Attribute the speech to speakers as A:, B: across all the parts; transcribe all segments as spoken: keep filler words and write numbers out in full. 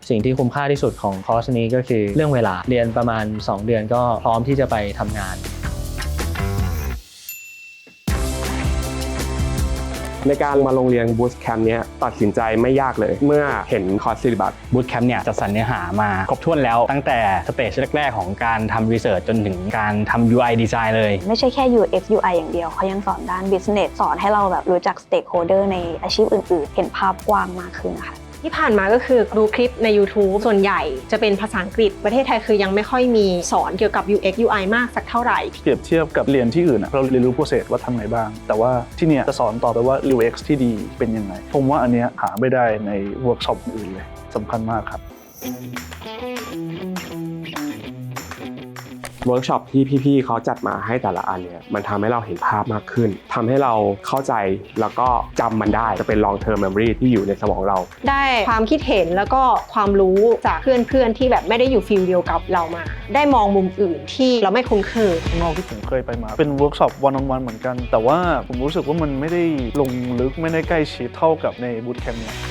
A: สิ่งที่คุ้มค่าที่สุดของคอร์สนี้ก็คือเรื่องเวลาเรียนประมาณสองเดือนก็พร้อมที่จะไปทำงาน
B: ในการมาโรงเรียนบูสต์แคมป์นี้ตัดสินใจไม่ยากเลยเมื่อเห็นคอร์สซิลิบัส
C: บูสต์แคมป์เนี่ยจัดสรรเนื้อหามาครบถ้วนแล้วตั้งแต่สเตจแรกๆของการทำรีเสิร์ชจนถึงการทำ ยู ไอ Design เลย
D: ไม่ใช่แค่ ยู เอ็กซ์ ยู ไอ อย่างเดียวเขายังสอนด้าน Business สอนให้เราแบบรู้จัก Stakeholder ในอาชีพอื่นๆเห็นภาพกว้างมากขึ้นนะคะ
E: ที่ผ่านมาก็คือดูคลิปใน YouTube ส่วนใหญ่จะเป็นภาษาอังกฤษประเทศไทยคือยังไม่ค่อยมีสอนเกี่ยวกับ ยู เอ็กซ์ ยู ไอ มากสักเท่าไหร่
F: เปรียบเทียบกับเรียนที่อื่นเราเรียนรู้ process ว่าทำไงบ้างแต่ว่าที่เนี่ยจะสอนต่อไปว่า ยู เอ็กซ์ ที่ดีเป็นยังไงผมว่าอันเนี้ยหาไม่ได้ในเวิร์กช็อปอื่นเลยสำคัญมากครับ
B: เวิร์กช็อปที่พี่ๆเขาจัดมาให้แต่ละอันเนี่ยมันทำให้เราเห็นภาพมากขึ้นทำให้เราเข้าใจแล้วก็จำมันได้จะเป็น long term memory ที่อยู่ในสมองเรา
E: ได้ความคิดเห็นแล้วก็ความรู้จากเพื่อนๆที่แบบไม่ได้อยู่ฟิลเดียวกับเรามาได้มองมุมอื่นที่เราไม่คุ้นเคย
F: ข้างนอกที่ผมเคยไปมาเป็นเวิร์กช็อป one on one เหมือนกันแต่ว่าผมรู้สึกว่ามันไม่ได้ลงลึกไม่ได้ใกล้ชิดเท่ากับในบูตแคมป์เนี่ย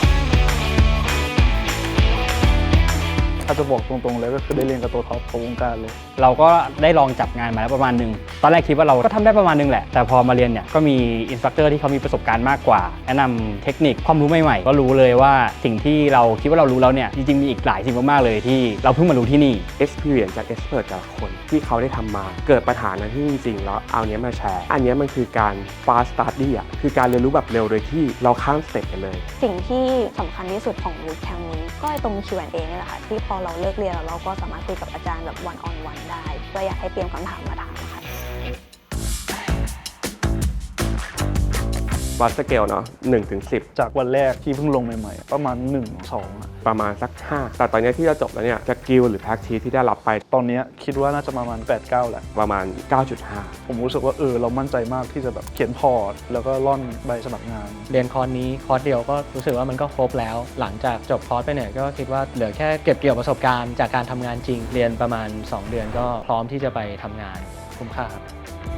F: ถ้าจะบอกตรงๆเลยก็คือได้เรียนกับตัวท็อปของวงการเลย
C: เราก็ได้ลองจับงานมาแล้วประมาณนึงตอนแรกคิดว่าเราก็ทำได้ประมาณนึงแหละแต่พอมาเรียนเนี่ยก็มีอินสตรัคเตอร์ที่เขามีประสบการณ์มากกว่าแนะนำเทคนิคความรู้ใหม่ๆก็รู้เลยว่าสิ่งที่เราคิดว่าเรารู้แล้วเนี่ยจริงๆมีอีกหลายสิ่งมากๆเลยที่เราเพิ่งมารู้ที่นี่
B: experience จาก expert แต่ละคนที่เขาได้ทำมาเกิดปัญหานั้นที่จริงๆแล้วเอาเนี้ยมาแชร์อันนี้มันคือการ fast study อ่ะคือการเรียนรู้แบบเร็วโดยที่เราข้ามสเต็ปกันเลย
D: สิ่งที่สำคัญที่สุดของบูตแคมป์นี้ก็ตรง คิว แอนด์ เอ นี่แหละค่ะที่พอเราเลิกเรียนแล้วเราก็สามารถคุยกับอาจารย์แบบ one on one ได้ก็อยากให้เตรียมคำถามมาถามค่ะ
B: วัดสเกลเนาะหนึ่งถึงสิบ
F: จากวันแรกที่เพิ่งลงใหม่ๆประมาณหนึ่ง สองอ่ะ
B: ประมาณสักห้าแต่ตอนนี้ที่จะจบแล้วเนี่ยสกิลหรือ practice ที่ได้รับไป
F: ตอนนี้คิดว่าน่าจะประมาณ แปด เก้า แหละ
B: ประมาณ เก้าจุดห้า
F: ผมรู้สึกว่าเออเรามั่นใจมากที่จะแบบเขียนพอร์ตแล้วก็ร่อนใบสมัครงาน
A: เรียนคอร์สนี้คอร์สเดียวก็รู้สึกว่ามันก็ครบแล้วหลังจากจบคอร์สไปเนี่ยก็คิดว่าเหลือแค่เก็บเกี่ยวประสบการณ์จากการทำงานจริงเรียนประมาณสองเดือนก็พร้อมที่จะไปทำงานคุ้มค่าครับ